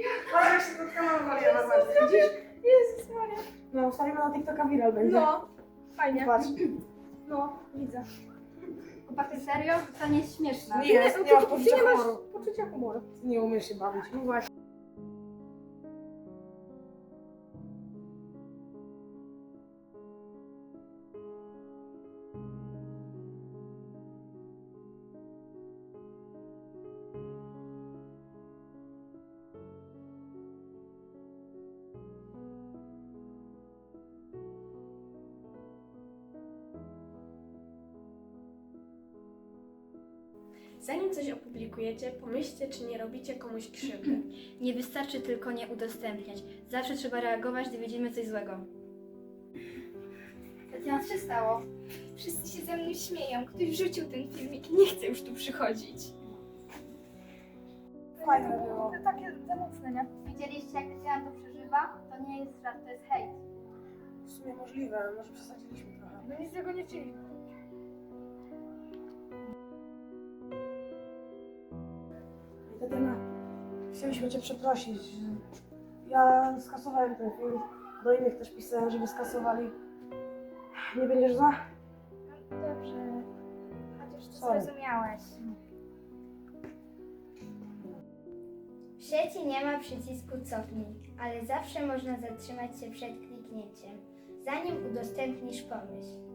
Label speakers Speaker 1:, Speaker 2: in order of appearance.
Speaker 1: Patrz, jak się spotkałam Mariana bardziej, widzisz?
Speaker 2: Jezus Maria.
Speaker 1: No, wstawimy na TikToka viral będzie.
Speaker 2: No, fajnie.
Speaker 1: Patrz.
Speaker 2: No, widzę.
Speaker 3: Chłopaky, serio? To nie jest śmieszne.
Speaker 1: Nie jest, nie masz
Speaker 2: ty
Speaker 1: poczucia
Speaker 2: nie masz
Speaker 1: humoru.
Speaker 2: poczucia humoru.
Speaker 1: Ty nie umiesz się bawić. No właśnie.
Speaker 4: Zanim coś opublikujecie, pomyślcie, czy nie robicie komuś krzywdy.
Speaker 3: Nie wystarczy tylko nie udostępniać. Zawsze trzeba reagować, gdy widzimy coś złego. Tatiana, co się stało?
Speaker 2: Wszyscy się ze mną śmieją. Ktoś wrzucił ten filmik. Nie chcę już tu przychodzić.
Speaker 1: Fajne było.
Speaker 2: To takie za mocne, nie?
Speaker 3: Widzieliście, jak Tatiana to przeżywa? To nie jest żart, to jest hejt.
Speaker 1: W sumie możliwe, może przesadziliśmy trochę.
Speaker 2: No nic z tego nie chcieliśmy.
Speaker 1: I Tatiana, chcieliśmy Cię przeprosić. Ja skasowałem ten film. Do innych też pisałem, żeby skasowali. Nie będziesz za?
Speaker 2: No dobrze. Chociaż to
Speaker 1: Sorry.
Speaker 2: zrozumiałeś.
Speaker 5: W sieci nie ma przycisku cofnij, ale zawsze można zatrzymać się przed kliknięciem, zanim udostępnisz pomyśl.